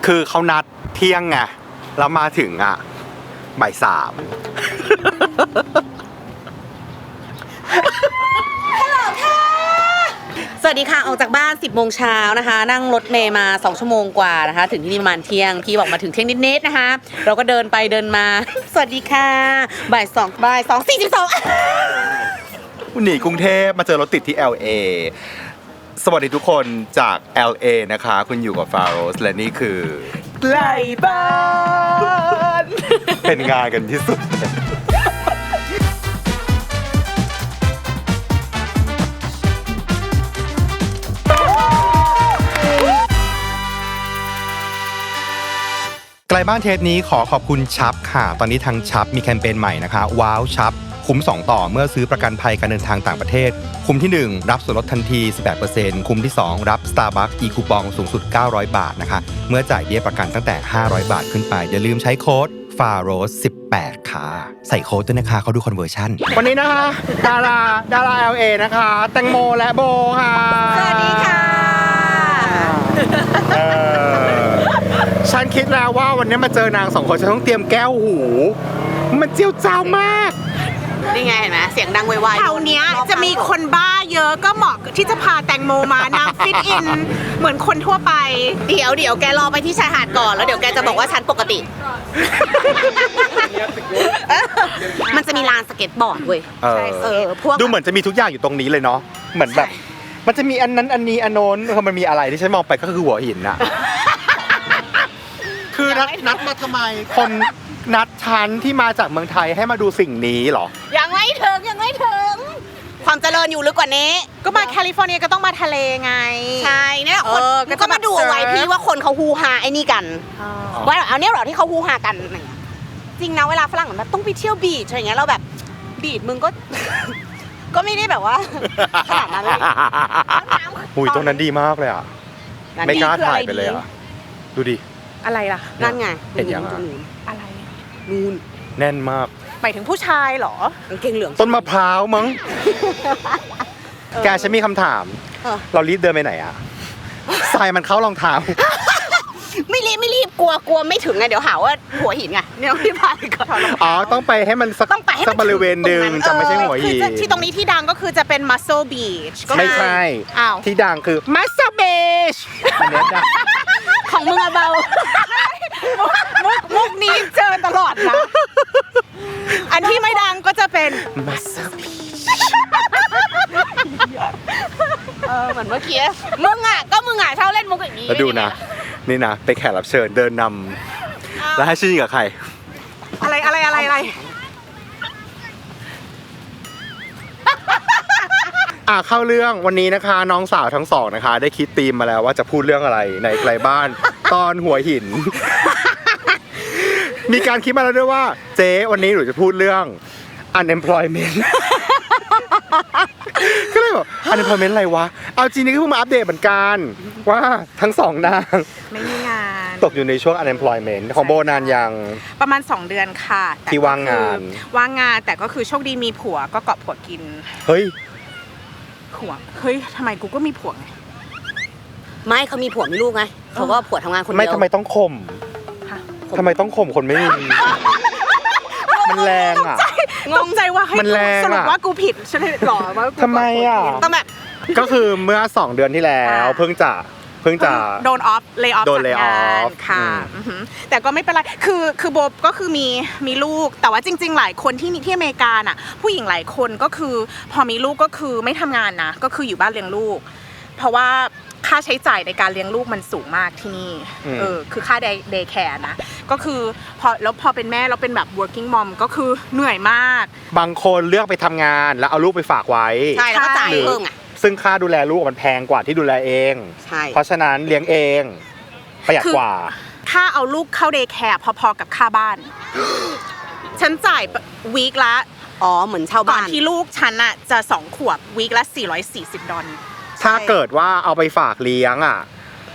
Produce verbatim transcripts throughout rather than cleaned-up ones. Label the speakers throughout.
Speaker 1: คือเขานัดเที่ยงไงแล้วมาถึงอ่ะบ่ายสาม
Speaker 2: สวัสดีค่ะออกจากบ้านสิบโมงเช้านะคะนั่งรถเมล์มาสองชั่วโมงกว่านะคะถึงที่นี่ประมาณเที่ยงพี่บอกมาถึงเที่ยงนิดๆนะคะเราก็เดินไปเดินมาสวัสดีค่ะบ่ายสองบ่ายสองสี่สิบสอง
Speaker 1: หนีกรุงเทพมาเจอรถติดที่ แอล เอ สวัสดีทุกคนจาก แอล เอ นะคะคุณอยู่กับฟาโรสและนี่คือ
Speaker 2: ไกลบ้าน
Speaker 1: เป็นงานกันที่สุดไกลบ้านเทปนี้ขอขอบคุณชับค่ะตอนนี้ทางชับมีแคมเปญใหม่นะคะว้าวชับคุ้มสองต่อเมื่อซื้อประกันภัยการเดินทางต่างประเทศคุ้มที่หนึ่งรับส่วนลดทันที สิบแปดเปอร์เซ็นต์ คุ้มที่สองรับ Starbucks อีคูปองสูงสุดเก้าร้อยบาทนะคะเมื่อจ่ายเบี้ยประกันตั้งแต่ห้าร้อยบาทขึ้นไปอย่าลืมใช้โค้ด ฟาโรส สิบแปด ค่ะใส่โค้ดด้วยนะคะเขาดูคอนเวอร์ชั่นวันนี้นะคะดาราดารา แอล เอ นะคะแตงโมและโบค่ะ
Speaker 2: สวัสดีค่ะ
Speaker 1: เออฉันคิดแล้วว่าวันนี้มาเจอนางสองคนฉันต้องเตรียมแก้วหูมันเจียวจ้าวมาก
Speaker 2: นี่ไงเห็นไหมเสียงดังไวๆ
Speaker 3: แถวเนี้ยจะมีคนบ้าเยอะก็เหมาะที่จะพาแตงโมมานางฟิตอินเหมือนคนทั่วไป
Speaker 2: เดี๋ยวเดี๋ยวแกรอไปที่ชายหาดก่อนแล้วเดี๋ยวแกจะบอกว่าฉันปกติมันจะมีลานสเก็ตบอร์ดเว้ย
Speaker 1: เออพวกดูเหมือนจะมีทุกอย่างอยู่ตรงนี้เลยเนาะเหมือนแบบมันจะมีอันนั้นอันนี้อันโน้นคือมันมีอะไรที่ฉันมองไปก็คือหัวหินอะคือนัดนัดมาทำไมคนนัดฉันที่มาจากเมืองไทยให้มาดูสิ่งนี้เหรอ
Speaker 2: ยังไม่ถึงยังไม่ถึงความเจริญอยู่ลึกกว่านี้
Speaker 3: ก็มาแคลิฟอร์เนียก็ต้องมาทะเลไง
Speaker 2: ใช่เนี่ยคนก็มาดูเอาไว้พี่ว่าคนเขาฮูฮาไอ้นี่กันว่าเอาเนี่ยเหรอที่เขาฮูฮากันจริงนะเวลาฝรั่งแบบต้องไปเที่ยวบีชอะไรเงี้ยเราแบบบีชมึงก็ก็ไม่ได้แบบว่าขนาดนั้นเลย
Speaker 1: หุยตรงนั้นดีมากเลยอ่ะไม่กล้าถ่ายไปเลยอ่ะดูดิ
Speaker 3: อะไรล่ะ
Speaker 2: นั่นไง
Speaker 1: เห็นยัง
Speaker 3: อะไร
Speaker 2: นูน
Speaker 1: แน่นมาก
Speaker 3: หมายถึงผู้ชายเหรอก
Speaker 2: างเกงเหลือง
Speaker 1: ต้นมะพร้าวมั้งแกฉันมีคำถามเรารีบเดินไปไหนอ่ะทรายมันเข้ารองเท้า
Speaker 2: ไม่รีบไม่รีบกลัวกลัวไม่ถึงไงเดี๋ยวหาว่าหัวหินไงเนี่ยพี่พาไปก่อน
Speaker 1: อ๋อต้องไปให้มันสักสักบริเวณหนึ่งจะไม่ใช่หัวหิน
Speaker 3: ที่ตรงนี้ที่ดังก็คือจะเป็น Muscle Beach
Speaker 1: ไม่ใช่ที่ดังคือ Muscle Beach
Speaker 2: ของมึงอะเบา
Speaker 3: มุกมุกนี้เจอตลอดนะอันที่ไม่ดังก็จะเป็น
Speaker 1: Muscle Beach
Speaker 2: เออเหมือนเมื่อกี้มึงอะก็มึงอะชอบเล่นมุกอย่างนี้
Speaker 1: แล้วดูนะนี่นะไปแขกรับเชิญเดินนำแล้วให้ชื่อกับใคร
Speaker 3: อะไรอะไรอะไรอะไร
Speaker 1: อ่ะเข้าเรื่องวันนี้นะคะน้องสาวทั้งสองนะคะได้คิดธีมมาแล้วว่าจะพูดเรื่องอะไรในไกลบ้านตอนหัวหินมีการคิดมาแล้วด้วยว่าเจ๊วันนี้หนูจะพูดเรื่อง unemployment ก็เลยบอก unemployment อะไรวะเอาจริงนี่ก็เพิ่งมาอัปเดตเหมือนกันว่าทั้งสองนาง
Speaker 3: ไม่มีงาน
Speaker 1: ตกอยู่ในช่วง unemployment ของโบนานยัง
Speaker 3: ประมาณสองเดือนค่ะ
Speaker 1: ที่ว่างงาน
Speaker 3: ว่างงานแต่ก็คือโชคดีมีผัวก็เกาะผัวกิน
Speaker 1: เฮ้ย
Speaker 3: ผัวเฮ้ยทำไมกูก็มีผัวไง
Speaker 2: ไม่เขามีผัวมีลูกไงเขาก็ผัวทำงานคนเดียว
Speaker 1: ไม่ทำไมต้องข่มทำไมต้องข่มคนไม่มีมันแรงอ่ะ
Speaker 3: ตกใจว่าให้สรุปว่ากูผิดใช่ไหมหรอว่า
Speaker 1: ทำไมอ่ะ
Speaker 2: ต้องแบบ
Speaker 1: ก็คือเมื่อสองเดือนที่แล้วเพิ่งจะเพิ่งจะ
Speaker 3: โดนออฟเลย์ออฟ
Speaker 1: โดนเลย์ออฟ
Speaker 3: ค่ะแต่ก็ไม่เป็นไรคือคือโบก็คือมีมีลูกแต่ว่าจริงๆหลายคนที่ที่อเมริกาน่ะผู้หญิงหลายคนก็คือพอมีลูกก็คือไม่ทำงานนะก็คืออยู่บ้านเลี้ยงลูกเพราะว่าค่าใช้จ่ายในการเลี้ยงลูกมันสูงมากที่นี่เออคือค่าเดย์แคร์นะก็คือพอแล้วพอเป็นแม่เราเป็นแบบ working mom ก็คือเหนื่อยมาก
Speaker 1: บางคนเลือกไปทำงานแล้วเอาลูกไปฝากไว้
Speaker 2: ใช่แล้วก็จ่ายเพิ่มอ่ะ
Speaker 1: ซึ่งค่าดูแลลูกมันแพงกว่าที่ดูแลเองเพราะฉะนั้นเลี้ยงเองประหยัดกว่า
Speaker 3: ค่าเอาลูกเข้าเดย์แคร์พอๆกับค่าบ้านฉันจ่ายวีคละ
Speaker 2: อ๋อเหมือนเช่าบ้าน
Speaker 3: ก่อนที่ลูกฉันอ่ะจะสองขวบวีคละสี่ร้อยสี่สิบดอลลาร์
Speaker 1: ถ้าเกิดว่าเอาไปฝากเลี้ยงอ่ะ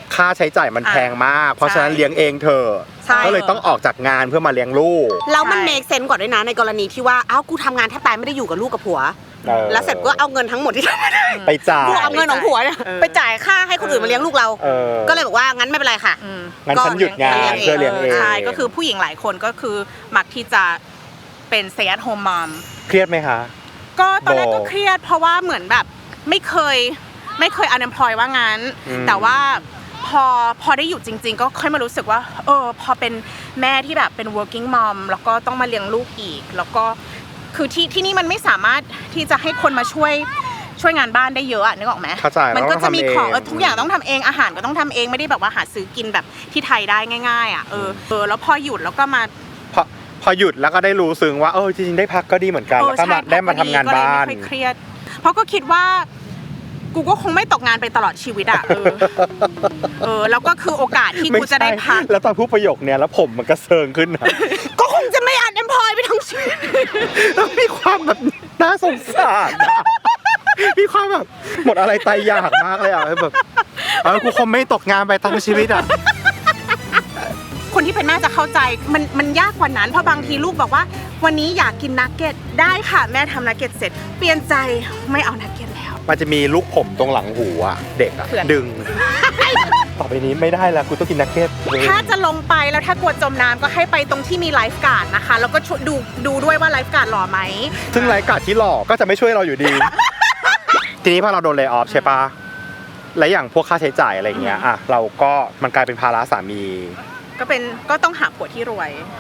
Speaker 1: ค่าใช้จ่ายมันแพงมาก เพราะฉะนั้นเลี้ยงเองเธอ
Speaker 2: ใช่
Speaker 1: ก็เลยต้องออกจากงานเพื่อมาเลี้ยงลูก
Speaker 2: แล้วมันเมคเซนส์กว่าด้วยนะในกรณีที่ว่าอ้าวกูทำงานแทบตายไม่ได้อยู่กับลูกกับผัว
Speaker 1: เออ
Speaker 2: แล้วเสร็จก็เอาเงินทั้งหมดที่ทำไม่ได้
Speaker 1: ไปจ่าย
Speaker 2: กูเอาเงินของผัวเนี่ยไปจ่ายค่าให้คนอื่นมาเลี้ยงลูกเรา
Speaker 1: เออ
Speaker 2: ก็เลยบอกว่างั้นไม่เป็นไรค่ะ
Speaker 3: อืม
Speaker 1: งั้นฉันหยุดงาน
Speaker 2: ก็
Speaker 1: เพื่อเลี้ยงเอง
Speaker 3: ใช่ก็คือผู้หญิงหลายคนก็คือมักที่จะเป็น stay at home mom
Speaker 1: เครียดไหมคะ
Speaker 3: ก็ตอนแรก
Speaker 1: โบ
Speaker 3: ก็เครียดเพราะว่าเหมือนแบบไม่เคยไม่เคย unemployed ว่างั้น
Speaker 1: อืม
Speaker 3: แต่ว่าพอพอได้อยู่จริง ๆ ก็ค่อยมารู้สึกว่าเออพอเป็นแม่ที่แบบเป็น working mom แล้วก็ต้องมาเลี้ยงลูกอีก แล้วก็คือที่ที่นี่มันไม่สามารถที่จะให้คนมาช่วยช่วยงานบ้านได้เยอะอะนึกออกไหม
Speaker 1: เข้าใจ
Speaker 3: มันก็จะมีของ
Speaker 1: เราต้องทำเอง
Speaker 3: เออทุกอย่างต้องทำเองอาหารก็ต้องทำเองไม่ได้แบบว่าหาซื้อกินแบบที่ไทยได้ง่ายๆอ่ะเออเออแล้วพอหยุดแล้วก็มา
Speaker 1: พอพอหยุดแล้วก็ได้รู้ซึ้งว่าเออจริงๆได้พักก็ดีเหมือนกัน
Speaker 3: เอ
Speaker 1: แล้ว
Speaker 3: อ
Speaker 1: ก็มา
Speaker 3: ใช่
Speaker 1: ได้มาทำงาน
Speaker 3: ก็เลย
Speaker 1: บ้าน
Speaker 3: ไม่ค่อยเครียด เพราะก็คิดว่ากูก็คงไม่ตกงานไปตลอดชีวิตอ่ะเออเออแล้วก็คือโอกาสที่กูจะได้พัก
Speaker 1: แล้วตอนพูดประโยคเนี้ยแล้วผมมันกระเซิงขึ้นนะ
Speaker 2: ก็คงจะไม่อันเอ็มพลอยไปทั้งชีวิต
Speaker 1: แล้วมีความแบบน่าสงสารอะมีความแบบหมดอะไรตายอยากมากเลยอ่ะแบบเออกูคงไม่ตกงานไปทั้งชีวิตอ่ะ
Speaker 3: คนที่เป็นแม่จะเข้าใจมันมันยากกว่านั้นเพราะบางทีลูกบอกว่า วันนี้อยากกินนักเก็ตได้ค่ะแม่ทำนักเก็ตเสร็จเปลี่ยนใจไม่เอานักเก็ตแล้ว
Speaker 1: มันจะมีลูกผมตรงหลังหูอ่ะเด็กอ่ะ
Speaker 3: เพื่อน
Speaker 1: ดึง ต่อไปนี้ไม่ได้แล้วกูต้องกินนักเก็ต
Speaker 3: ถ้าจะลงไปแล้วถ้ากลัวจมน้ำก็ให้ไปตรงที่มีไลฟ์การ์ดนะคะแล้วก็ช่วยดูดูด้วยว่าไลฟ์การ์ดหล่อไหม
Speaker 1: ซึ่งรายการที่หลอกก็จะไม่ช่วยเราอยู่ดี ทีนี้พอเราโดนเลย์ออฟใช่ปะและอย่างพวกค่าใช้จ่ายอะไรเงี้ยอ่ะเราก็มันกลายเป็นภาระสามี
Speaker 3: ก็เป็นก็ต้องหาผัวที่รวย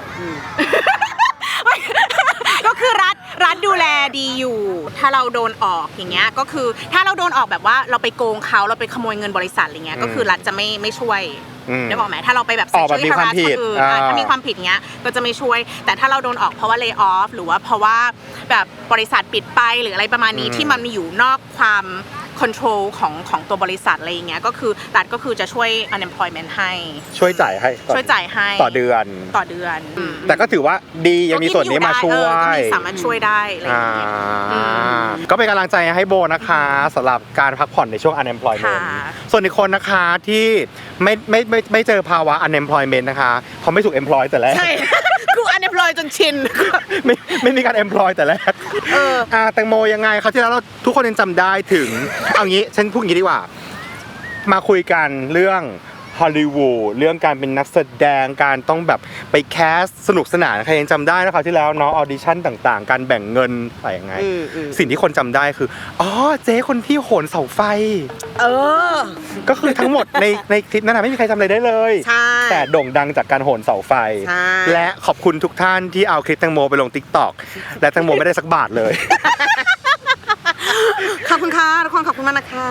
Speaker 3: ก็คือรัฐรัฐดูแลดีอยู่ ถ้าเราโดนออกอย่างเงี้ยก็คือถ้าเราโดนออกแบบว่าเราไปโกงเขาเราไปขโมยเงินบริษัทอะไรเงี้ยก็คือรัฐจะไม่ไม่ช่วย
Speaker 1: อืม
Speaker 3: ได้บอกไหมถ้าเราไปแบบ
Speaker 1: ออกแบบมีความผิด
Speaker 3: คนอื่น
Speaker 1: อ่า
Speaker 3: อ่ะถ้ามีความผิดเงี้ยก็จะไม่ช่วย แต่ถ้าเราโดนออกเพราะว่า lay off หรือว่าเพราะว่าแบบบริษัทปิดไปหรืออะไรประมาณนี้ที่มันมีอยู่นอกความ control ของของตัวบริษัทอะไรอย่างเงี้ยก็คือรัฐก็คือจะช่วย unemployment ให้
Speaker 1: ช่วยจ่ายให้ต่อ
Speaker 3: ช่วยจ่ายให้
Speaker 1: ต่อเดือน
Speaker 3: ต่อเดือน
Speaker 1: แต่ก็ถือว่าดียังมีส่วนนี้มาช่ว
Speaker 3: เออก็
Speaker 1: ย
Speaker 3: มีสามารถช่วยได้อะไรอย่า
Speaker 1: อ่าง
Speaker 3: เงี้ย อืม
Speaker 1: ก็เป็นกำลังใจให้โบนะคะสำหรับการพักผ่อนในช่วง unemployment
Speaker 3: ค่ะ
Speaker 1: ส่วนอีกคนนะคะที่ไม่ไม่ไม่ไม่เจอภาวะ unemployment นะคะเพราะไม่ถูก employ แต่แรก
Speaker 2: ใช่ กูอันเอ็มพลอยจนชิน
Speaker 1: ไม่ไม่มีการ employ แต่แรก
Speaker 2: เออ
Speaker 1: อ่าแตงโมยังไงครับที่แล้วเราทุกคนยังจำได้ถึง เอางี้ฉันพูดอย่างนี้ดีกว่า มาคุยกันเรื่องฮอลลีวูดเรื่องการเป็นนักแสดงการต้องแบบไปแคสสนุกสนานใครยังจำได้นะครับที่แล้วเนาะออดิชั่นต่างๆ การแบ่งเงินอะไรยังไง
Speaker 2: อืมอืม
Speaker 1: สิ่งที่คนจำได้คืออ๋อเจ๊คนที่โหนเสาไฟ
Speaker 2: เออ
Speaker 1: ก็คือทั้งหมดในในคลิปนั้นนะไม่มีใครจำอะไรได้เลย
Speaker 2: ใช่
Speaker 1: แต่โด่งดังจากการโหนเสาไฟ
Speaker 2: ใช่
Speaker 1: และขอบคุณทุกท่านที่เอาคลิปแตงโมไปลง ติ๊กต็อก และแตงโมไม่ได้สักบาทเลย
Speaker 2: ขอบคุณค่ะทุกคนขอบคุณมากนะคะ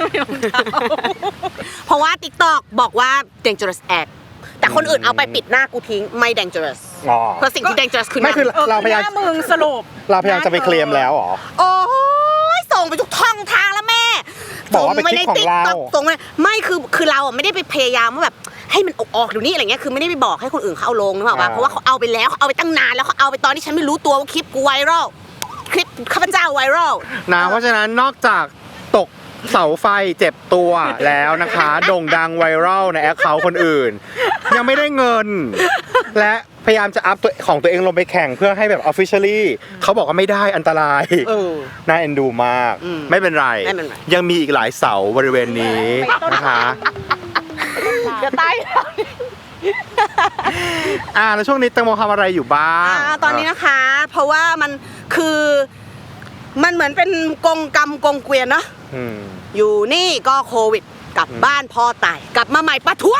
Speaker 2: เพราะว่า TikTok บอกว่า dangerous act แต่คนอื่นเอาไปปิดหน้ากูทิ้งไม่ dangerous
Speaker 1: อ๋อ
Speaker 2: เพราะสิ่งที่ dangerous คือห
Speaker 1: ไม่
Speaker 2: น้า
Speaker 1: คือ
Speaker 3: เออ
Speaker 1: เราพยายาม
Speaker 3: หน้มึงสรุป
Speaker 1: เราพยายามจะไปเคลมแล้วเหรอ
Speaker 2: โอ้ยส่งไปทุกช่องทางแล้วแม่
Speaker 1: บอกว่าเป็นคลิปของเรา
Speaker 2: ส่งไปใน TikTok ส่งไปไม่คือคือเราอ่ะไม่ได้ไปพยายามว่าแบบให้มันออกออกเดี๋ยวนี้อะไรเงี้ยคือไม่ได้ไปบอกให้คนอื่นเขาเอาลงนึกออกปะเพราะว่าเขาเอาไปแล้วเขาเอาไปตั้งนานแล้วเขาเอาไปตอนที่ฉันไม่รู้ตัวว่าคลิปกูไวรัลคลิปข้าพเจ้าไวรัล
Speaker 1: นะเพราะฉะนั้นนอกจากตกเสาไฟเจ็บตัวแล้วนะคะ โด่งดังไวรัลในแอคเคาท์คนอื่น ยังไม่ได้เงิน และพยายามจะอัพตัวของตัวเองลงไปแข่งเพื่อให้แบบ officially เขาบอกว่าไม่ได้อันตราย
Speaker 2: เออ
Speaker 1: น่าเอ็นดูมาก
Speaker 2: อืม
Speaker 1: ไม่เป็นไร
Speaker 2: ไม่เป็นไร
Speaker 1: ยังมีอีกหลายเสาบริเวณนี้นะคะ
Speaker 2: จะตาย
Speaker 1: อ่าแล้วช่วงนี้แตงโมทำอะไรอยู่บ้าง
Speaker 2: อ่าตอนนี้นะคะ เพราะว่ามันคือมันเหมือนเป็นกงกรรมกงเกวียนเนาะ
Speaker 1: อืม
Speaker 2: อยู่นี่ก็โควิดกลับบ้านพ่อตายกลับมาใหม่ประท้วง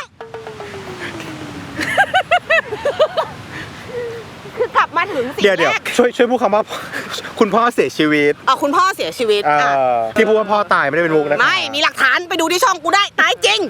Speaker 2: คือกลับมาถึงสิ่ง
Speaker 1: เดี๋ยวเดี๋ยว
Speaker 2: แรก
Speaker 1: ช่วยช่วยพูดคำว่า คุณพ่อเสียชีวิต
Speaker 2: อ่ะคุณพ่อเสียชีวิต
Speaker 1: เอ่
Speaker 2: อ่ะ
Speaker 1: อที่พูดว่าพ่อตายไม่ได้เป็นมุกนะคะ
Speaker 2: ไม่มีหลักฐานไปดูที่ช่องกูได้ตายจริง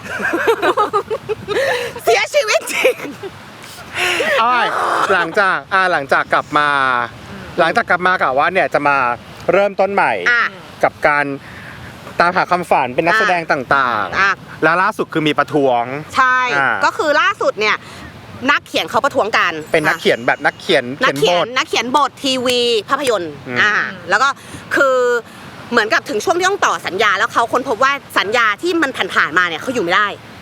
Speaker 2: เสียชีวิตจริง
Speaker 1: อ้ายหลังจากอ่าหลังจากกลับมา หลังจากกลับมากะว่าเนี่ยจะมาเริ่มต้นใหม่
Speaker 2: อ่ะ
Speaker 1: กับการตามหาความฝันเป็นนักแสดงต่าง
Speaker 2: อ่ะ
Speaker 1: ๆ แล้วล่าสุดคือมีประท้วง
Speaker 2: ใช่
Speaker 1: อ่า
Speaker 2: ก็คือล่าสุดเนี่ยนักเขียนเขาประท้วงกัน
Speaker 1: เป็นนักเขียนแบบนักเขียน
Speaker 2: นัก
Speaker 1: เขียน
Speaker 2: เขี
Speaker 1: บ
Speaker 2: ยน
Speaker 1: ท
Speaker 2: นักเขียนบททีวีภาพยนตร์
Speaker 1: อืม
Speaker 2: อ่าแล้วก็คือเหมือนกับถึงช่วงที่ต้องต่อสัญญาแล้วเขาค้นพบว่าสัญญาที่มันผ่านๆมาเนี่ยเขาอยู่ไม่ได้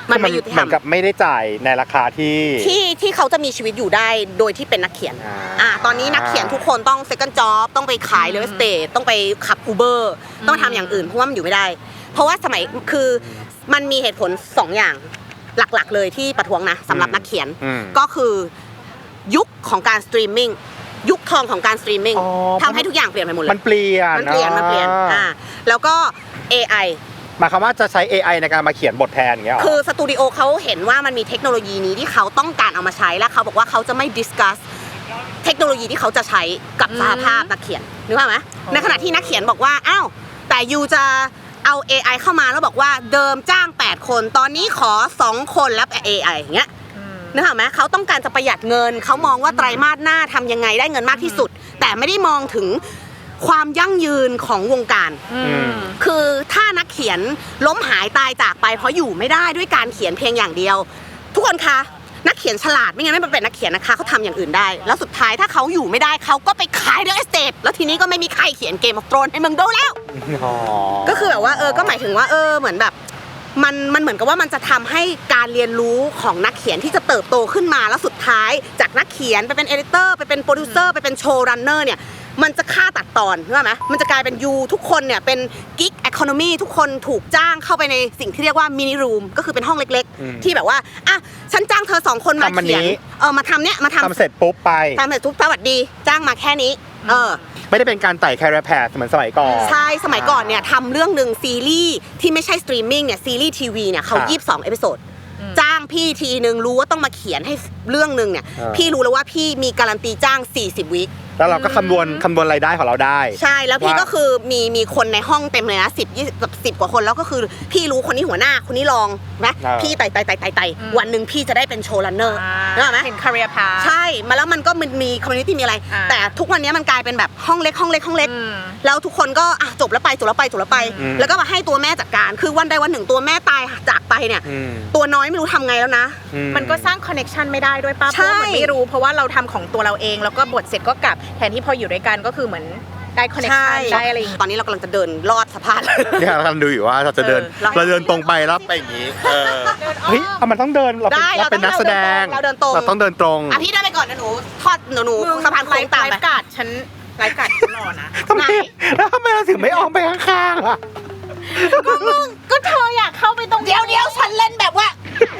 Speaker 2: มันไม่ยุติธรรม
Speaker 1: เหมือนกับไม่ได้จ่ายในราคาที่
Speaker 2: ที่ที่เขาจะมีชีวิตอยู่ได้โดยที่เป็นนักเขียน
Speaker 1: อ่า
Speaker 2: อ่าตอนนี้นักเขียนทุกคนต้อง second job ต้องไปขาย real estate ต้องไปขับ Uber ต้องทำอย่างอื่นเพราะว่ามันอยู่ไม่ได้ เพราะว่าสมัยคือมันมีเหตุผลสองอย่างหลักๆเลยที่ประท้วงนะสำหรับนักเขียน
Speaker 1: อืม
Speaker 2: ก็คือยุคของการสตรีมมิ่งยุคทองของการสตรีมมิ่ง
Speaker 1: อ๋อ
Speaker 2: ทำให้ทุกอย่างเปลี่ยนไปหมดเลย
Speaker 1: มันเปลี่ยน
Speaker 2: มันเปลี่ยนมันเปลี่ยนอ่าแล้วก็ เอ ไอ
Speaker 1: หมายความว่าจะใช้ เอ ไอ ในการมาเขียนบทแทนอย่างเงี้ยหรอ
Speaker 2: คือสตูดิโอเขาเห็นว่ามันมีเทคโนโลยีนี้ที่เขาต้องการเอามาใช้และเขาบอกว่าเขาจะไม่ดิสคัสเทคโนโลยีที่เขาจะใช้กับสหภาพนักเขียนนึกภาพไหมในขณะที่นักเขียนบอกว่าอ้าวแต่ยูจะเอา เอ ไอ เข้ามาแล้วบอกว่าเดิมจ้างแปดคนตอนนี้ขอสองคนแล้ว เอ ไอ อย่างเงี้ยนึกภาพไหมเขาต้องการจะประหยัดเงินเขามองว่าไตรมาสหน้าทำยังไงได้เงินมากที่สุด แต่ไม่ได้มองถึงความยั่งยืนของวงการ
Speaker 1: ม
Speaker 2: คือถ้านักเขียนล้มหายตายจากไปเพราะอยู่ไม่ได้ด้วยการเขียนเพียงอย่างเดียว ทุกคนคะนักเขียนฉลาดไม่งั้นไม่เป็นนักเขียนนะคะเขาทำอย่างอื่นได้ แล้วสุดท้ายถ้าเขาอยู่ไม่ได้เขาก็ไปขายเดอะเอสเตทแล้วทีนี้ก็ไม่มีใครเขียนเกมออฟโธรนให้มึงดูแล้ว
Speaker 1: อ๋อ
Speaker 2: ก็คือแบบว่าเออก็หมายถึงว่าเออเหมือนแบบมันมันเหมือนกับว่ามันจะทำให้การเรียนรู้ของนักเขียนที่จะเติบโตขึ้นมาแล้วสุดท้ายจากนักเขียนไปเป็นเอดิเตอร์ไปเป็นโปรดิวเซอร์ไปเป็นโชว์รันเนอร์เนี่ยมันจะฆ่าตัดตอนใช่ไหมมันจะกลายเป็นยูทุกคนเนี่ยเป็นกิ๊ก e อ o n o นมีทุกคนถูกจ้างเข้าไปในสิ่งที่เรียกว่ามินิรูมก็คือเป็นห้องเล็ก
Speaker 1: อืม
Speaker 2: ๆ ที่แบบว่าอ่ะฉันจ้างเธอสองคนมา
Speaker 1: ทำอันนี้
Speaker 2: เขียนเออมาทำเนี่ยมาทำ
Speaker 1: ทำเสร็จปุ๊บไป
Speaker 2: ทำเสร็จทุกสวัสดีจ้างมาแค่นี้เออ
Speaker 1: ไม่ได้เป็นการไต่แคร์แพดเหมือนสมัยก่อน
Speaker 2: ใช่ สมัยก่อนเนี่ยทำเรื่องหนึ่งซีรีส์ที่ไม่ใช่สตรีมมิ่งเนี่ยซีรีส์ทีวีเนี่ยเขา
Speaker 1: ครับ
Speaker 2: ยี่สิบสองเอพิโซดจ้างพี่ทีนึงรู้ว่าต้องมาเขียนให้เรื่องหนึ่งเนี่ย
Speaker 1: อ่า
Speaker 2: พี่รู้แล้วว่าพี่มีการันตีจ้างสี่สิบวิค
Speaker 1: แล้วเราก็คำนวณคำนวณรายได้ของเราได้
Speaker 2: ใช่แล้วพี่
Speaker 1: ว่า
Speaker 2: ก็คือมีมีคนในห้องเต็มเลยนะสิบยี่สิบสิบกว่าคนแล้วก็คือพี่รู้คนนี้หัวหน้าคนนี้รองนะ
Speaker 1: อ่า
Speaker 2: พี่ไต่ไต่ไต่ไต่ไต่วันหนึ่งพี่จะได้เป็นโชว์รันเนอร์นึกออกไหม
Speaker 3: เห็น career path
Speaker 2: ใช่มาแล้วมันก็มันมีคอมมูนิตี้มีอะไร
Speaker 3: อ่า
Speaker 2: แต่ทุกวันนี้มันกลายเป็นแบบห้องเล็กห้องเล็กห้องเล็ก
Speaker 3: อืม
Speaker 2: แล้วทุกคนก็อ่ะจบแล้วไปจบแล้วไปจบแล้วไป
Speaker 1: อืม
Speaker 2: แล้วก็มาให้ตัวแม่จัดการ คือวันใดวันหนึ่งตัวแม่ตายจากไปเนี่ย
Speaker 1: อืม
Speaker 2: ตัวน้อยไม่รู้ทำไงแล้วนะ
Speaker 1: อื
Speaker 3: มันก็สร้างคอนเน็ชันไม่ได้ด้วยป้าเพ
Speaker 2: ใช่
Speaker 3: ราะว่าเหมือนไม่รู้เพราะว่าเราทำของตัวเราเองแล้วก็บทเสร็จก็กลับแทนที่พออยู่ด้วยกันก็คือเหมือนได้คอนเน็ชันได้อะไรอย่างงี้
Speaker 2: ตอนนี้เรากำลังจะเดินลอดสะพาน
Speaker 1: เนี่ยเรากำลังดูอยู่ว่าเราจะเดิน
Speaker 2: เออ
Speaker 1: เราเดินตรงไปแล้วไปอย่างนี้เออเฮ้ยเอามันต้องเดินเราเป็น
Speaker 2: ได้
Speaker 1: เราเป็นนักแสดง
Speaker 2: เราเดินตรง
Speaker 1: เราต้องเดินตรง
Speaker 2: อ่ะพี่เดินไปก่อนนะหนูทอดหนูหนูสะพานโค้งตาม
Speaker 3: ไล
Speaker 2: ไป
Speaker 3: ฟ์การ์ดฉันไลฟ์การ์ดฉันรอนะ
Speaker 1: ทำไมแล้วทำไมเราถึงไม่ออกไปข้างๆล่ะ
Speaker 3: ก็เธออยากเข้าไปตรง
Speaker 2: เดี๋ยวเดี๋ยวฉันเล่นแบบว่า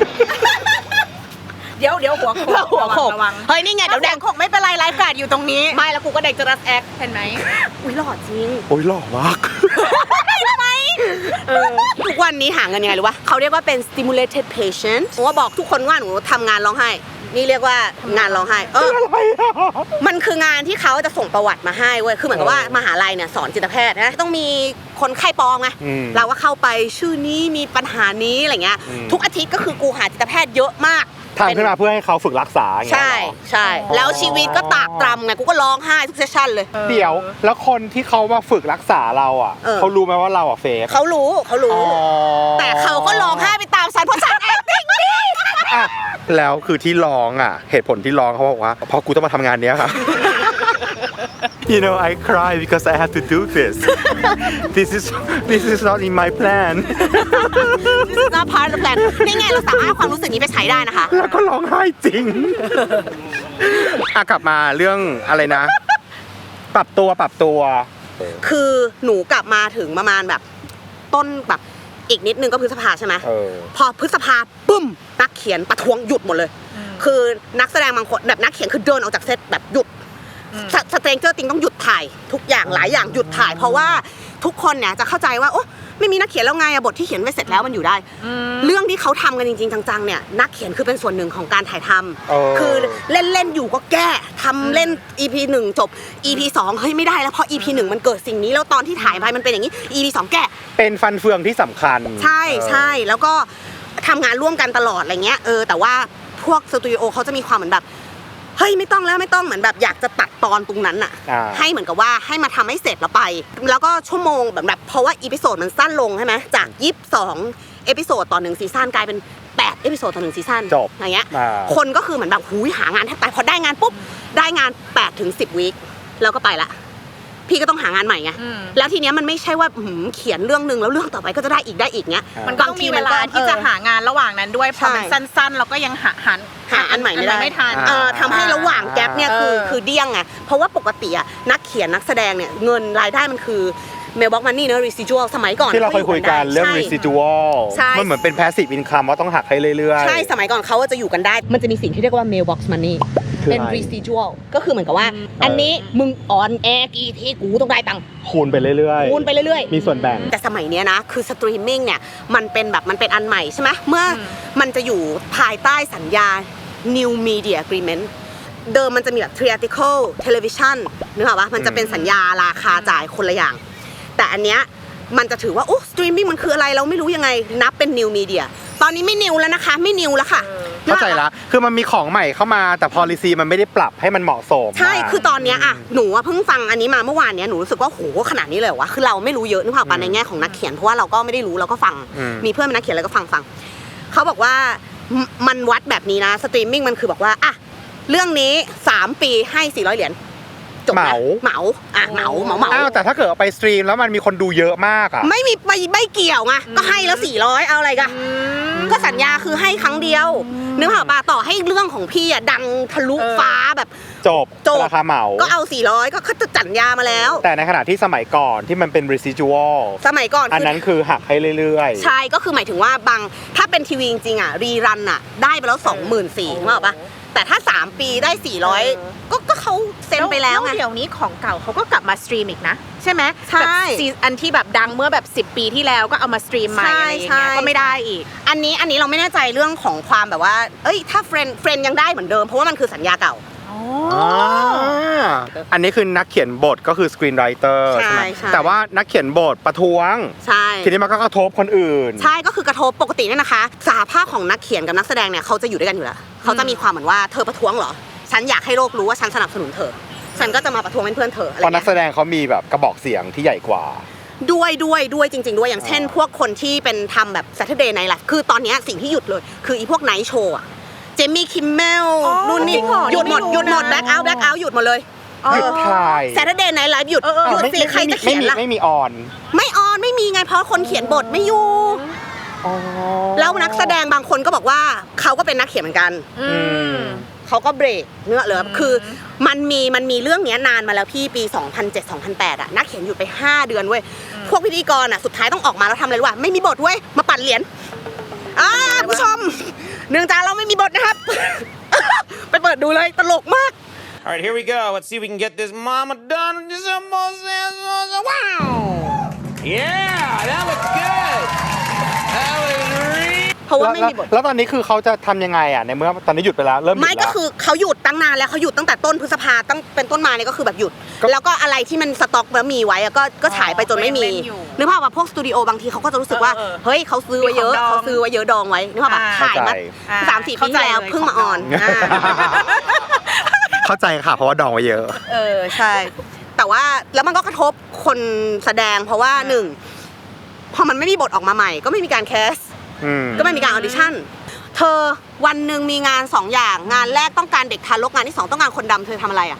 Speaker 3: เดี๋ยวเดี๋ยวหัวโขก
Speaker 2: หัวโขก
Speaker 3: ระวัง
Speaker 2: เฮ้ยนี่ไง
Speaker 3: เดี๋
Speaker 2: เดี๋
Speaker 3: ย
Speaker 2: ยว ว
Speaker 3: แด
Speaker 2: แด
Speaker 3: ง
Speaker 2: ง
Speaker 3: โขกไม่เป็นไรไลฟ์การ์ดอยู่ตรงนี้
Speaker 2: ไม่แล้วกูก็เด็กจะรัสแอค
Speaker 3: เห็นไหม
Speaker 2: อุ้ยหล่อจริง
Speaker 1: โอ้ยหล่อมาก
Speaker 2: เออทุกวันนี้หาเงินยังไงรู้ปะเขาเรียกว่าเป็น stimulated patient ผมว่าบอกทุกคนว่าหนูทำงานร้องไห้ นี่เรียกว่างานร้องไห้ เออ
Speaker 1: อะไรอ่ะ
Speaker 2: มันคืองานที่เขาจะส่งประวัติมาให้เว้ย คือเหมือนกับว่ามหาลัยเนี่ยสอนจิตแพทย์นะ ต้องมีคนไข้ปลอมไง
Speaker 1: อืม
Speaker 2: เราก็เข้าไปชื่อนี้มีปัญหานี้อะไรเงี้ย
Speaker 1: อืม
Speaker 2: ทุกอาทิตย์ก็คือกูหาจิตแพทย์เยอะมาก
Speaker 1: ทำขึ้นมาเพื่อให้เขาฝึกรักษาอย่างเงี้ย
Speaker 2: ใช่
Speaker 1: เหรอ
Speaker 2: ใช่ แล้วชีวิตก็ตากตรำไง กูก็ร้องไห้ทุกเซสชั่นเลย
Speaker 1: เดี๋ยวแล้วคนที่เขามาฝึกรักษาเราอ่ะ
Speaker 2: เออ
Speaker 1: เขารู้ไหมว่าเราอ่ะเฟก
Speaker 2: เขารู้เขารู้
Speaker 1: อ๋อ
Speaker 2: แต่เขาก็ร้องไห้ไปตามฉันเพราะฉัน acting ดี
Speaker 1: อ่ะแล้วคือที่ร้องอ่ะ เหตุผลที่ร้องเขาบอกว่าเพราะกูต้องมาทำงานเนี้ยค่ะ You know I cry because I have to do this This is this is not in my plan
Speaker 2: This is not part of the plan นี่ไงเราสามารถเอาความรู้สึกนี้ไปใช้ได้นะคะ
Speaker 1: แล้วก็ร้องไห้จริง อ่ะกลับมาเรื่องอะไรนะ ปรับตัวปรับตัว
Speaker 2: คือหนูกลับมาถึงประมาณแบบต้นแบบอีกนิดนึงก็พฤษภาใช่ไหม
Speaker 1: เออ
Speaker 2: พอพฤษภาปุ้มนักเขียนประท้วงหยุดหมดเลย คือนักแสดงบางคนแบบนักเขียนคือเดินออกจากเซตแบบหยุดสเตรนเจอร์ติงต้องหยุดถ่ายทุกอย่างหลายอย่างหยุดถ่าย เพราะว่าทุกคนเนี่ยจะเข้าใจว่าโอ้ไม่มีนักเขียนแล้วไงอะบทที่เขียนไว้เสร็จแล้วมันอยู่ได้ เรื่องที่เขาทำกันจริงๆจังๆเนี่ยนักเขียนคือเป็นส่วนหนึ่งของการถ่ายทำ
Speaker 1: เออ
Speaker 2: คือเล่นเล่นๆอยู่ก็แก้ทำเล่น อี พี หนึ่งจบ อี พี สองเฮ้ยไม่ได้แล้วเพราะ อี พี หนึ่งมันเกิดสิ่งนี้แล้วตอนที่ถ่ายไปมันเป็นอย่างนี้ อี พี สองแก้
Speaker 1: เป็นฟันเฟืองที่สำคัญ
Speaker 2: ใช่ใช่แล้วก็ทำงานร่วมกันตลอดอะไรเงี้ยเออแต่ว่าพวกสตูดิโอเขาจะมีความเหมือนแบบเฮ้ยไม่ต้องแล้วไม่ต้องเหมือนแบบอยากจะตัดตอนตรงนั้นอะ
Speaker 1: อ่า
Speaker 2: ให้เหมือนกับว่าให้มาทำให้เสร็จแล้วไป แล้วก็ชั่วโมงแบบแบบเพราะว่าอีพิโซดมันสั้นลงใช่ไหมจากยี่สิบสองเอพิโซดต่อหนึ่งซีซั่นกลายเป็นแปดเอพิโซดต่อหนึ่งซีซั่น
Speaker 1: จบ
Speaker 2: อย่างเงี้ย
Speaker 1: อ่า
Speaker 2: คนก็คือเหมือนแบบหูยหางานแทบตายพอได้งานปุ๊บได้งานแปดถึงสิบวีคแล้วก็ไปละพี่ก็ต้องหางานใหม่ไง
Speaker 3: อืม
Speaker 2: แล้วทีเนี้ยมันไม่ใช่ว่าหืมเขียนเรื่องนึงแล้วเรื่องต่อไปก็จะได้อีกได้อีกเนี้ย
Speaker 3: มันก็ต้องมีเวลาที่จะหางานระหว่างนั้นด้วยพอมันสั้นๆเราก็ยังหาหา
Speaker 2: หาอันใหม่ไม่ได้
Speaker 3: ไม่ทัน
Speaker 2: เออทำให้ระหว่างแกปเนี่ยคือ
Speaker 3: เออ
Speaker 2: คือเดี้ยงไงเพราะว่าปกติอะนักเขียนนักแสดงเนี่ยเงินรายได้มันคือเมลบ็อกมันนี่เนอะ residual สมัยก่อน
Speaker 1: ที่เราเคยคุยกันเรื่อง
Speaker 2: ใช่
Speaker 1: residual
Speaker 2: ใช่
Speaker 1: มันเหมือนเป็น passive income ว่าต้องหักให้เรื่อยๆ
Speaker 2: ใช่สมัยก่อนเขาจะอยู่กันได้ มันจะมีสิ่งที่เรียกว่า mailbox money
Speaker 1: คือ
Speaker 2: เป็น
Speaker 1: อะไร
Speaker 2: residual ก็คือเหมือนกับว่า อันนี้มึงออนแอร์กี่ทีกูต้องได้ตังค์
Speaker 1: คูณไปเรื่อยๆ
Speaker 2: คูณไปเรื่อยๆ
Speaker 1: มีส่วนแบ่ง
Speaker 2: แต่สมัยเนี้ยนะคือสตรีมมิ่งเนี่ยมันเป็นแบบมันเป็นอันใหม่ใช่ไหมเมื่ออมันจะอยู่ภายใต้สัญญา new media agreement เดิมมันจะมีแบบ theatrical television นึกออกปะมันจะเป็นสัญญาราคาจ่ายคนละอย่าง แต่อันเนี้ยมันจะถือว่าโอ้สตรีมมิ่งมันคืออะไรเราไม่รู้ยังไงนับเป็น new media ตอนนี้ไม่นิวแล้วนะคะไม่นิวแล้วค่ะ
Speaker 1: เข้าใจละคือมันมีของใหม่เข้ามาแต่ policy มันไม่ได้ปรับให้มันเหมาะสม
Speaker 2: ใช่ คือตอนเนี้ยอะหนูอะเพิ่งฟังอันนี้มาเมื่อวานเนี้ยหนูรู้สึกว่าโหขนาดนี้เลยเหรอวะ คือเราไม่รู้เยอะนึกภาพปะในแง่ของนักเขียนเพราะว่าเราก็ไม่ได้รู้เราก็ฟัง มีเพื่อนเป็นนักเขียนแล้วก็ฟังฟังเขาบอกว่ามันวัดแบบนี้นะสตรีมมิ่งมันคือบอกว่าอะเรื่องนี้สามปีให้สี่ร้อยเหรียญจบ
Speaker 1: เห
Speaker 2: นะ
Speaker 1: มา
Speaker 2: เหมาอ่ะเหมาเหมาเหมา
Speaker 1: อ้าวแต่ถ้าเกิดเอาไปสตรีมแล้วมันมีคนดูเยอะมากอ่ะ
Speaker 2: ไม่มีไม่ไม่เกี่ยวไงก็ให้แล้วสี่ร้อยเอาอะไรกันก็สัญญาคือให้ครั้งเดียวนึกภาพปะต่อให้เรื่องของพี่อะดังทะลุฟ้าแบบ
Speaker 1: จบ
Speaker 2: จบ
Speaker 1: ราคาเหมา
Speaker 2: ก็เอาสี่ร้อยก็เขาจะสัญญามาแล้ว
Speaker 1: แต่ในขณะที่สมัยก่อนที่มันเป็น residual
Speaker 2: สมัยก่อน
Speaker 1: อัน
Speaker 2: คือ
Speaker 1: นั้นคือหักให้เรื่อยๆ
Speaker 2: ใช่ก็คือหมายถึงว่าบางถ้าเป็นทีวีจริงๆอ่ะรีรันอ่ะได้ไปแล้ว สองหมื่นสี่พัน นึกออกปะแต่ถ้าสามปีได้สี่ร้อยก็ก็เขาเซ็นไปแล้วไง
Speaker 3: เดี๋ยวนี้ของเก่าเขาก็กลับมาสตรีมอีกนะใช่ไหม
Speaker 2: ใช่
Speaker 3: แบบซีอันที่แบบดังเมื่อแบบสิบปีที่แล้วก็เอามาสตรีมใหม่อะไรอย่างเงี้ย
Speaker 2: ใช่
Speaker 3: ก็ไม่ได้อีก
Speaker 2: อันนี้อันนี้เราไม่แน่ใจเรื่องของความแบบว่าเอ้ยถ้าเฟรนเฟรนยังได้เหมือนเดิมเพราะว่ามันคือสัญญาเก่า
Speaker 1: อ่าอันนี้คือนักเขียนบทก็คือ screenwriter
Speaker 2: ใช่
Speaker 1: ใช่ไหม
Speaker 2: ใช่
Speaker 1: แต่ว่านักเขียนบทประท้วง
Speaker 2: ใช่
Speaker 1: ทีนี้มันก็กระทบคนอื่น
Speaker 2: ใช่ก็คือกระทบปกติเนี่ยนะคะสหภาพของนักเขียนกับนักแสดงเนี่ยเขาจะอยู่ด้วยกันอยู่แล้วเขาจะมีความเหมือนว่าเธอประท้วงเหรอฉันอยากให้โลกรู้ว่าฉันสนับสนุนเธอฉันก็จะมาประท้วงเป็นเพื่อนเธออะไร
Speaker 1: เพราะนัก
Speaker 2: เงี้ย
Speaker 1: แสดงเขามีแบบกระบอกเสียงที่ใหญ่กว่า
Speaker 2: ด้วยด้วยด้วยจริง ๆ ด้วยอย่างเช่น พวกคนที่เป็นทำแบบ Saturday Night Live คือตอนเนี้ยสิ่งที่หยุดเลย คืออีพวกไนท์โชว์อะเจมี่คิมเมล
Speaker 3: อ๋อ
Speaker 2: นู่นนี่
Speaker 3: จริงเหรอ
Speaker 2: หยุดหมด
Speaker 3: นี่ไม่รู้
Speaker 2: หยุดหมด
Speaker 3: นะ
Speaker 2: แบ็คเอาท์แบ็คเอาท์หยุดหมดเลย
Speaker 1: หยุดถ่าย
Speaker 2: Saturday Night Live หยุด
Speaker 3: เออเออ
Speaker 2: หยุด
Speaker 1: ไม่
Speaker 2: สิ
Speaker 1: ไม่
Speaker 2: ใคร
Speaker 1: ไม่
Speaker 2: จะ
Speaker 1: ไม่
Speaker 2: เขียน
Speaker 1: มี
Speaker 2: ล่ะ
Speaker 1: ไม่มีออน
Speaker 2: ไม่ออนไม่มีไงเพราะคนเขียนบทไม่อยู่
Speaker 1: อ๋อ
Speaker 2: แล้วนักแสดงบางคนก็บอกว่าเขาก็เป็นนักเขียนเหมือนกัน
Speaker 3: อืม
Speaker 2: เขาก็เบรกเนื้อเหลือคือมันมีมันมีเรื่องเนี้ยนานมาแล้วพี่ปี สองพันเจ็ด สองพันแปด อ่ะนักเขียนหยุดไป ห้า เดือนเว้ยพวกพิธีกรอ่ะสุดท้ายต้องออกมาแล้วทำอะไรรู้ป่ะไม่มีบทเว้ยมาปั่นเหรียญอ่าผู้ชมเนื่องจากเราไม่มีบทนะครับ ไปเปิดดูเลยตลกมาก
Speaker 4: All right, here we go. Let's see if we can get this mama done. Just almost, wow! Yeah, that looks good. That was really.
Speaker 2: เพราะว่า
Speaker 1: แล้ว
Speaker 2: ไม่มีบท
Speaker 1: แล้วตอนนี้คือเขาจะทำยังไงอ่ะในเมื่อตอนนี้หยุดไปแล้วเริ่มหยุด
Speaker 2: ไม่
Speaker 1: แล้ว
Speaker 2: ก็คือเขาหยุดตั้งนานแล้วเขาหยุดตั้งแต่ต้นพฤษภาตั้งเป็นต้นมาเนี่ยก็คือแบบหยุด
Speaker 1: ก็
Speaker 2: แล้วก็อะไรที่มันสต็อกแล้วมีไว้อะก็ก็ฉายไปจนไม่มี
Speaker 3: ก็ยังเล่นอยู่
Speaker 2: นึกภาพว่าพวกสตูดิโอบางทีเขาก็จะรู้สึกว่า
Speaker 3: เออเออ
Speaker 2: เฮ้ยเขาซื้อไว้เยอะ
Speaker 3: มีของดอง
Speaker 2: เขาซื้อไว้เยอะดองไว้นึกภาพว่า
Speaker 3: อ่า
Speaker 2: ขายมา
Speaker 3: อ่า
Speaker 2: สามสี่ปีที่แล้ว
Speaker 3: เข้าใจเลย
Speaker 2: เพิ่งมา
Speaker 3: ข
Speaker 2: อ
Speaker 3: อง
Speaker 2: อน
Speaker 3: ดอง
Speaker 2: อ่า
Speaker 1: เข้าใจค่ะเพราะว่าดองไว้เยอะ
Speaker 2: เออใช่ แต่ว่าแล้วมันก็กระทบคนแสดงเพราะว่าหนึ่งพอมันไม่มีบทออกมาใหม่ ก็ไม่มีการแคส
Speaker 1: อืม
Speaker 2: ก็ไม่มีการออดิชั่น เธอวันหนึ่งมีงานสองอย่าง งานแรกต้องการเด็กทารกงานที่สองต้องการคนดำเธอทำอะไรอ่ะ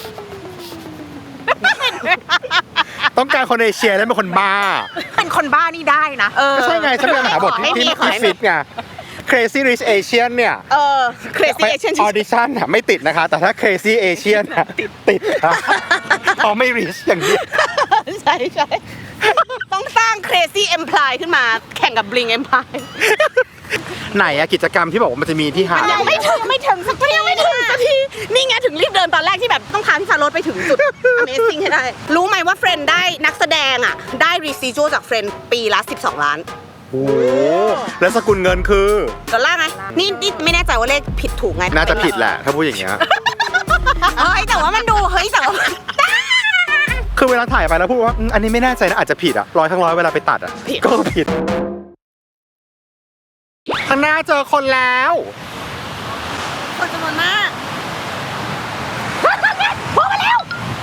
Speaker 1: ต้องการคนเอเชียและเป็นคนบ้า
Speaker 3: เป็นคนบ้านี่ได้นะเออ
Speaker 1: ก็ใช่ไงฉันเป็นมหาบทที่ที่
Speaker 2: ขอ
Speaker 1: ที่
Speaker 2: ให้มี
Speaker 1: ฟิตไง Crazy Rich Asian เนี่ย
Speaker 2: เออ crazy Asian
Speaker 1: ออดิชั่นอะไม่ติดนะคะ แต่ถ้า Crazy Asian อะติดติดค่ะเพราะไม่ rich อย่างนี้
Speaker 2: ใช่ใช่ต้องสร้าง crazy empire ขึ้นมาแข่งกับ bling empire
Speaker 1: ไหนอะกิจกรรมที่บอกว่ามันจะมีที่หาด
Speaker 2: ยังไม่ถึงไม่ถึงสักทียังไม่ถึงสักทีนี่ไงถึงรีบเดินตอนแรกที่แบบต้องพาพี่ฟาโรสไปถึงจุด amazing ให้ได้ รู้ไหมว่าเฟรนได้นักแสดงอ่ะได้ residual จากเฟรนปีละสิบสองล้าน
Speaker 1: โอ้โหแล้วสกุลเงินคือ
Speaker 2: ดอลลาร์ไงนี่นี่ไม่แน่ใจว่าเลขผิดถูกไง
Speaker 1: น่าจะผิดแหละ ถ้าพูดอย่างเงี้ย
Speaker 2: เฮ้ยแต่ว่ามันดูเฮ้ยแต่ว่ามัน
Speaker 1: คือเวลาถ่ายไปแล้วพูดว่าอืมอันนี้ไม่แน่ใจนะอาจจะผิดอะร้อยทั้งร้อยเวลาไปตัดอะก็ผิดข้างหน้าเจอคนแล้ว
Speaker 2: คนจำนวนมากพวกมาแล้ว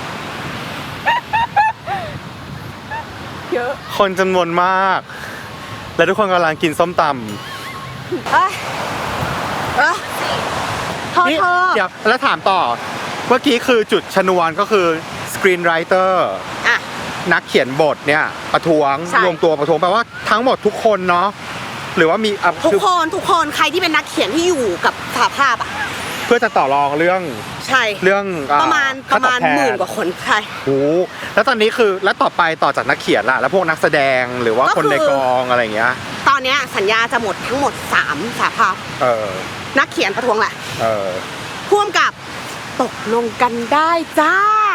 Speaker 1: คนจำนวนมาก และทุกคนกำลังกินส้มต
Speaker 2: เอ้ยเอ้ยเธอ
Speaker 1: ำนี่
Speaker 2: เธอ
Speaker 1: เดี๋ยวแล้วถามต่อ เมื่อกี้คือจุดชนวนก็คือกรีนไรเตอร์
Speaker 2: อ่ะ
Speaker 1: นักเขียนบทเนี่ยประท้วง
Speaker 2: ใช่
Speaker 1: รวมตัวประท้วงแปลว่าทั้งหมดทุกคนเนาะหรือว่ามีอ่ะ
Speaker 2: ทุก
Speaker 1: คือ
Speaker 2: คนทุกคนใครที่เป็นนักเขียนที่อยู่กับสหภาพอ่ะ
Speaker 1: เพื่อจะต่อรองเรื่อง
Speaker 2: ใช่
Speaker 1: เรื่องอ่
Speaker 2: ประมาณป
Speaker 1: ค่
Speaker 2: ระมาณ
Speaker 1: ตอบแท
Speaker 2: หมื่นกว่าคนใช่
Speaker 1: โอ้โหแล้วตอนนี้คือแล้วต่อไปต่อจากนักเขียนล่ะแล้วพวกนักแสดงหรือว่า
Speaker 2: ก็
Speaker 1: คน
Speaker 2: คือ
Speaker 1: ในกองอะไรอย่างเงี้ย
Speaker 2: ตอนเนี้ยสัญญาจะหมดทั้งหมดสามสหภาพ
Speaker 1: เออ
Speaker 2: นักเขียนประท้วงแหละ
Speaker 1: เออ
Speaker 2: พ่วงกับตกลงกันได้จ้า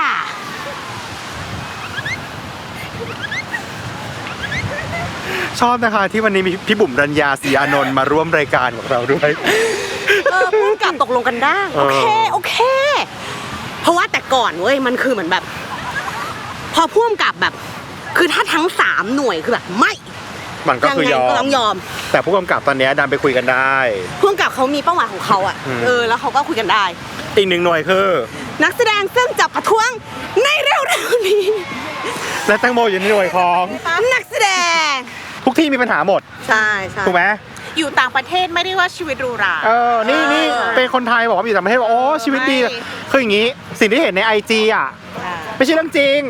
Speaker 1: ชอบนะคะที่วันนี้มีพี่บุ๋มรัญญาศรีอานนท์มาร่วมรายการของเราด้วย
Speaker 2: เออพ่วงกับตกลงกันได้
Speaker 1: เอ
Speaker 2: โอ
Speaker 1: อ
Speaker 2: เคโอเค เพราะว่าแต่ก่อนเว้ยมันคือเหมือนแบบ พอพ่วงกับแบบ คือถ้าทั้งสามหน่วยคือแบบไม่
Speaker 1: มันก็
Speaker 2: ยัง
Speaker 1: คือ
Speaker 2: ไง
Speaker 1: ยอ
Speaker 2: ก็
Speaker 1: ม
Speaker 2: ต้องยอม
Speaker 1: แต่ผู้กำกับตอนเนี้ยดันไปคุยกันได้
Speaker 2: พ่วงกับเขามีเป้าหมายของเขาอ่ะ
Speaker 1: อืม
Speaker 2: เออแล้วเขาก็คุยกันได้
Speaker 1: อีกหนึ่งหน่วยคือ
Speaker 2: นักแสดงซึ่งจะประท้วงในเร็วๆนี้
Speaker 1: และแตงโมอยู่ในหน่วยของ
Speaker 2: นักแสดง
Speaker 1: ทุกที่มีปัญหาหมด
Speaker 2: ใช่ใช่
Speaker 1: ถูกไหม
Speaker 3: อยู่ต่างประเทศไม่ได้ว่าชีวิตหรูหรา
Speaker 1: เออนี่นี่เป็นคนไทยบอกว่าอยู่ต่างประเทศบอกโอ้ชีวิตดี
Speaker 3: ไม่
Speaker 1: คืออย่างนี้สิ่งที่เห็นในไอจีอ่ะไม่ใช่เรื่องจริง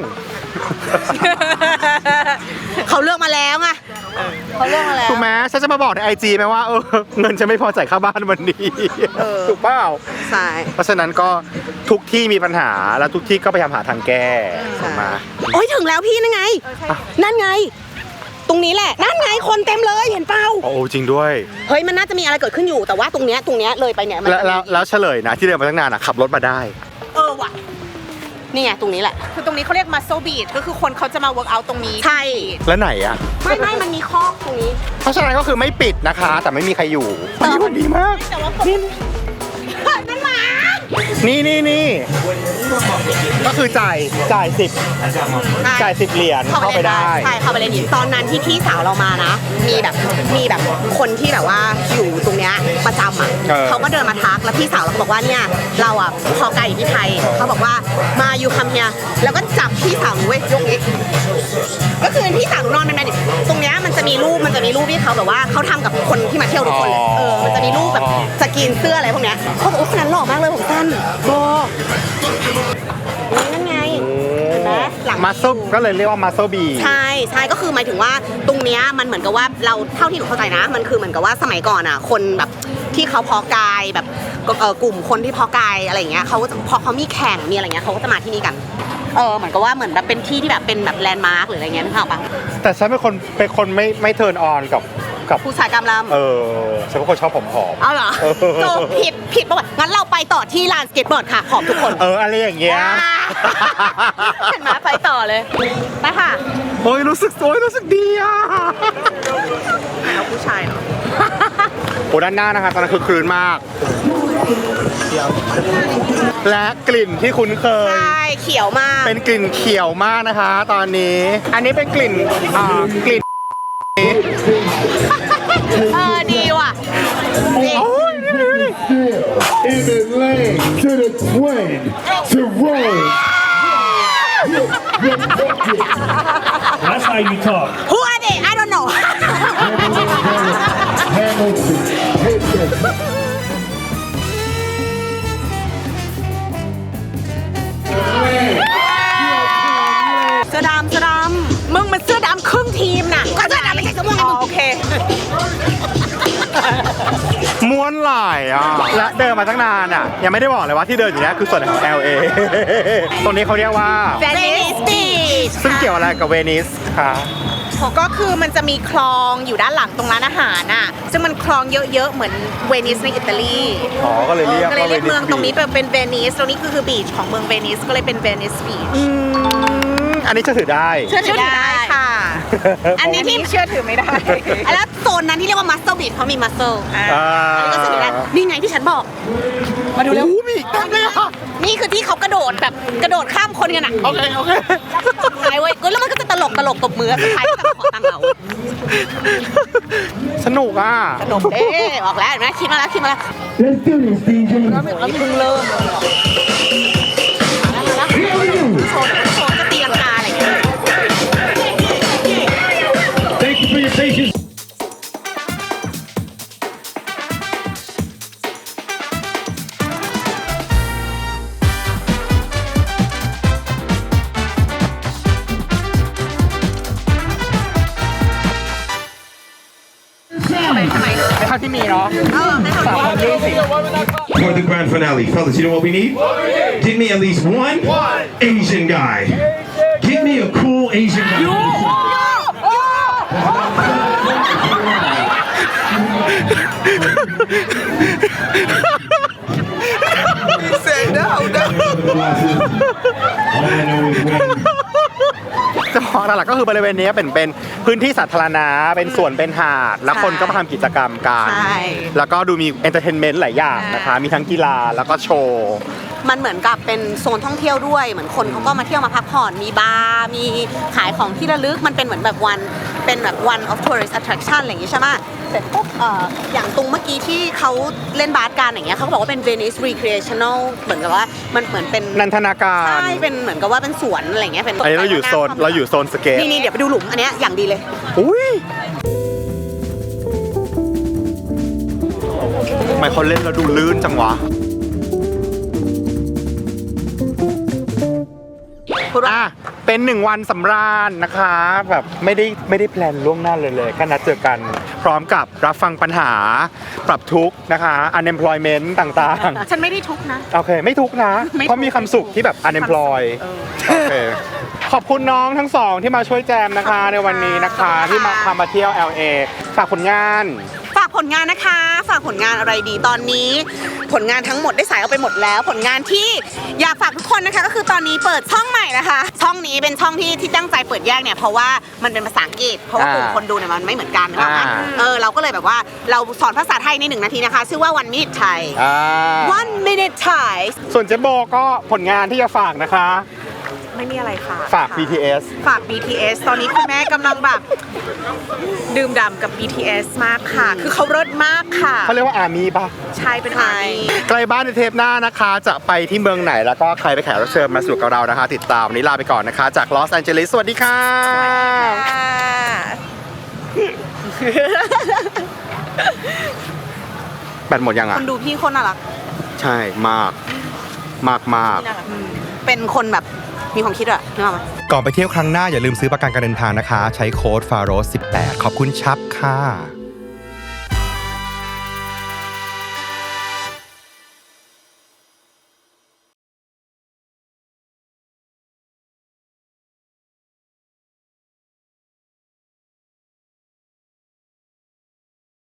Speaker 2: เขาเลือกมาแล้วไงเขาเลือกมาแล้ว
Speaker 1: ถูกไหมฉันจะมาบอกในไอจีไหมว่าเออเงินจะไม่พอจ่ายค่าบ้านวันนี้
Speaker 2: เออ
Speaker 1: ถูกเปล่า
Speaker 2: ใช่
Speaker 1: เพราะฉะนั้นก็ทุกที่มีปัญหาแล้วทุกที่ก็พยายามหาทางแก้ถูกไหม
Speaker 2: โอ้ยถึงแล้วพี่นั่นไง นั่นไง ตรงนี้แหละ นั่นไงคนเต็มเลยเห็นเปล่า
Speaker 1: โอ้จริงด้วย
Speaker 2: เฮ้ยมันน่าจะมีอะไรเกิดขึ้นอยู่แต่ว่าตรงเนี้ยตรงเนี้ยเลยไปเนี่ยมัน
Speaker 1: แล้ว
Speaker 2: จะ
Speaker 1: แล้วแล้วเฉลยนะที่เดินมาตั้งนานอ่ะขับรถมาได้
Speaker 2: เออว่ะนี่ไงตรงนี้แหละ
Speaker 3: คือตรงนี้เขาเรียก muscle beat ก็คือคนเขาจะมา work out ตรงนี้
Speaker 2: ใช่
Speaker 1: แล้วไหนอ่ะ
Speaker 2: ไม่ไม่มันมีคอกตรงนี้
Speaker 1: เพราะฉะนั้นก็คือไม่ปิดนะคะ แต่ไม่มีใครอยู่วันนี้วันดีมาก
Speaker 2: แต่ว่าผมนั่นหมา
Speaker 1: นี่นี่นี่ก็คือจ่ายจ่ายสิบจ่ายสิบเหรียญเข้าไปได้
Speaker 2: ใช่เข้าไปเลยนี่ตอนนั้นที่พี่สาวเรามานะ มีแบบมีแบบคนที่แบบว่าอยู่ตรงเนี้ยประจำอ่ะ
Speaker 1: เออ
Speaker 2: เขาก็เดินมาทักแล้วพี่สาวเราก็บอกว่าเนี่ยเราอ่ะพอไกลอยู่ที่ไทยเขาบอกว่ามาอยู่คำเฮียแล้วก็จับพี่สาวหนูเว้ยยกเอ็กก็คือพี่สาวหนูนอนเป็นแมดิตรงเนี้ยมันจะมีรูปมันจะมีรูปที่เขาแบบว่าเขาทำกับคนที่มาเที่ยวทุกคนเลยเออมันจะมีรูปแบบสกรีนเสื้ออะไรพวกเนี้ยเขาบอกว่าคนนั้นหล่อมากเลยผมสั้นโบนั่นไงเห็นไหมหลัง
Speaker 1: มัสเซลก็เลยเรียกว่ามัสเซลบี
Speaker 2: ใช่ใช่ก็คือหมายถึงว่าตรงเนี้ยมันเหมือนกับว่าเราเท่าที่หนูเข้าใจนะ มันคือเหมือนกับว่าสมัยก่อนอ่ะ คนแบบที่เขาเพาะกายแบบเอ่อกลุ่มคนที่เพาะกายอะไรอย่างเงี้ยเขาก็จะพอเขามีแข่งมีอะไรเงี้ยเขาก็จะมาที่นี่กันเออเหมือนกับว่าเหมือนแบบเป็นที่ที่แบบเป็นแบบแลนด์มาร์กหรืออะไรเงี้ยนึกภาพปะ
Speaker 1: แต่ฉันเป็นคนเป็นคนไม่ไม่เทิร์นออนกับกับ
Speaker 2: ผู้ชายกำลำ
Speaker 1: เออฉันเป็นคนชอบผอม
Speaker 2: เอาเหรอ
Speaker 1: เออ
Speaker 2: โจผิดผิดป่ะวะงั้นเราไปต่อที่ลานสเก็ตบอร์ดค่ะขอบทุกคน
Speaker 1: ๆเอออะไรอย่างเงี้ย
Speaker 2: เห็นไหมไปต่อเลยไปค่ะ
Speaker 1: โอ้ยรู้สึกโอ้ยรู้สึกดีอ่ะ
Speaker 3: เอาผู้ชายเนาะ
Speaker 1: โอ้ด้านหน้านะคะตอนนั้นคือคลืนมาก และกลิ่นที่คุ้นเคย
Speaker 2: ใช่เขียวมาก
Speaker 1: เป็นกลิ่นเขียวมากนะคะ ตอนนี้ อันนี้เป็นกลิ่นอ่ากลิ่น
Speaker 2: เออดีว่ะนี่
Speaker 1: โอ้ย
Speaker 5: in the lane to the twin to roll.
Speaker 6: That's how you talk.
Speaker 2: Who are they I don't know
Speaker 5: Hamilton, hit this.
Speaker 2: เสื้อดำเสื้อด
Speaker 3: มึงมันเสื้อดำครึ่งทีมน่ะ
Speaker 2: ำก็เสื้อดำไม่ใช่เสื้อม่วงไง
Speaker 3: อ๋อ
Speaker 2: มึง
Speaker 3: โอเค
Speaker 1: ม้วนหลายอ่ะ และเดินมาตั้งนานอ่ะ ยังไม่ได้บอกเลยว่าที่เดินอยู่เนี้ยคือส่วนของ แอล เอ ตรงนี้เขาเรียกว่า
Speaker 2: เวนิสบีช
Speaker 1: ซึ่งเกี่ยวอะไรกับเวนิสคะ
Speaker 3: ก็คือมันจะมีคลองอยู่ด้านหลังตรงร้านอาหารน่ะ ซึ่งมันคลองเยอะๆ เหมือนเวนิสในอิตาลี
Speaker 1: อ๋อ ก็เลยเรียก
Speaker 3: ก็เลย
Speaker 1: ว่า
Speaker 3: เรียกเมืองตรงนี้
Speaker 1: บีช
Speaker 3: เป็นเวนิส ตรงนี้คือคือบีชของเมืองเวนิส ก็เลยเป็นเวนิสบีช
Speaker 1: อืมอันนี้จะถือได้
Speaker 3: เชื่อถือได้ค่ะ
Speaker 2: อันนี้ที่
Speaker 3: เชื่อถือไม่ได้
Speaker 2: แล้วโซนนั้นที่เรียกว่ามัสเซลบีชเพราะมีมัสเซล
Speaker 3: อ่า
Speaker 1: อ่า
Speaker 2: อันนี้ก็เสื้อดำนี่ไงที่ฉันบอก
Speaker 1: มาดูเร็วมีอีกเต็มเลยอ่ะ
Speaker 2: นี่คือที่เขากระโดดแบบกระโดดข้ามคนกันอ่ะ
Speaker 1: โอเค โอเค
Speaker 2: ไอ้เว้ยแล้วมันก็จะตลกตลกตบมือสุดท้ายก็จะมาขอตังค์เรา
Speaker 1: สนุกอ่ะ
Speaker 2: สนุกเด้บอกแล้วเห็นไหมคิดมาแล้วคิดมาแล้ว
Speaker 5: Let's do this, D J.
Speaker 2: เพิ่งเริ่มมาแล้วโชว์โชว์จะตีลังกาอะไรอย่างเงี้ย
Speaker 6: Thank you for your patience.
Speaker 7: เนาะสามพันยี่สิบ
Speaker 6: For the grand finale, fellas, you know what we need? Get me at least one Asian guy. Get me a cool Asian guy.
Speaker 1: He said no, no.
Speaker 6: All I know is when
Speaker 1: จะพอหลักๆก็คือบริเวณนี้เป็นเป็นพื้นที่สาธารณะเป็นสวนเป็นหาด แล้วคนก็มาทำกิจกรรมกัน
Speaker 2: ใช่
Speaker 1: แล้วก็ดูมีเอนเตอร์เทนเมนต์หลายอย่างนะคะ มีทั้งกีฬาแล้วก็โชว์
Speaker 2: มันเหมือนกับเป็นโซนท่องเที่ยวด้วย เหมือนคนเขาก็มาเที่ยวมาพักผ่อน มีบาร์ มีขายของที่ระลึก มันเป็นเหมือนแบบวัน เป็นแบบ one of tourist attraction อะไรอย่างงี้ใช่ไหมเสร็จปุ๊บเอ่ออย่างตรงเมื่อกี้ที่เขาเล่นบาสกันอย่างเงี้ยเขาก็บอกว่าเป็น Venice recreational เหมือนกับว่ามันเหมือนเป็น
Speaker 1: นันทนาการ
Speaker 2: ใช่ เป็นเหมือนกับว่าเป็นสวนอะไรอย่างเงี้ย เป็น
Speaker 1: อันนี้เราอยู่โซนเราอยู่โซนสเกต
Speaker 2: นี่นี่เดี๋ยวไปดูหลุมอันเนี้ยอย่างดีเลย
Speaker 1: อุ้ยทำไมเขาเล่นแล้วดูลื่นจังวะ อ่ะ เป็นหนึ่งวันสำราญนะคะ แบบไม่ได้ไม่ได้แพลนล่วงหน้าเลยเลยแค่นัดเจอกัน พร้อมกับรับฟังปัญหา ปรับทุกข์นะคะ unemployment ต่าง
Speaker 3: ฉันไม่ได้ทุกข์นะ
Speaker 1: ๆ โอเค ไม่ทุกข์นะ
Speaker 3: ไม่ทุกข์
Speaker 1: เพราะมีคำสุขที่แบบ unemploy
Speaker 3: เออ
Speaker 1: โอเค ขอบคุณน้องทั้งสองที่มาช่วยแจมนะคะ ในวันนี้นะคะ ที่มาพามาเที่ยว แอล เอ ฝากผลงาน
Speaker 2: ฝากผลงานนะคะ ฝากผลงานอะไรดีตอนนี้ ผลงานทั้งหมดได้สายเอาไปหมดแล้ว ผลงานที่อยากฝากทุกคนนะคะ ก็คือตอนนี้เปิดช่องใหม่นะคะ ช่องนี้เป็นช่องที่ที่ตั้งใจเปิดแยกเนี่ยเพราะว่ามันเป็นภาษาอังกฤษเพราะว่ากลุ่มคนดูเนี่ยมันไม่เหมือนกันนะคะ
Speaker 1: อ่า
Speaker 2: เออเราก็เลยแบบว่าเราสอนภาษาไทยในหนึ่งนาทีนะคะ ชื่อว่า one minute Thai
Speaker 1: อ่า
Speaker 2: one minute Thai
Speaker 1: ส่วนเจ๊โบก็ผลงานที่จะฝากนะคะ
Speaker 3: ไม่มีอะไรค่ะ
Speaker 1: ฝาก บี ที เอส
Speaker 3: ฝาก บี ที เอส ตอนนี้คุณแม่กำลังแบบดื่มด่ำกับ บี ที เอส มากค่ะ คือเขาเลิศมากค่ะ
Speaker 1: เขาเรียกว่าอาร์มี่ปะ
Speaker 3: ใช่เป็นอาร์มี่
Speaker 1: ใกล้บ้านในเทปหน้านะคะ จะไปที่เมืองไหนแล้วก็ใครไปแขกรับเชิญมาสู่กับเรานะคะ ติดตามวันนี้ลาไปก่อนนะคะ จากลอสแอนเจลิสสวัสดีค่ะ แบตหมดยัง
Speaker 2: ค
Speaker 1: อ่ะ
Speaker 2: นดูพี่คนน่ารัก
Speaker 1: ใช่มาก มากมาก
Speaker 2: เป็นคนแบบมีความคิดอะนึกออกไหม
Speaker 1: ก่อนไปเที่ยวครั้งหน้าอย่าลืมซื้อประกันการเดินทางนะคะ ใช้โค้ดฟาโรสสิบแปดขอบคุณชับค่ะ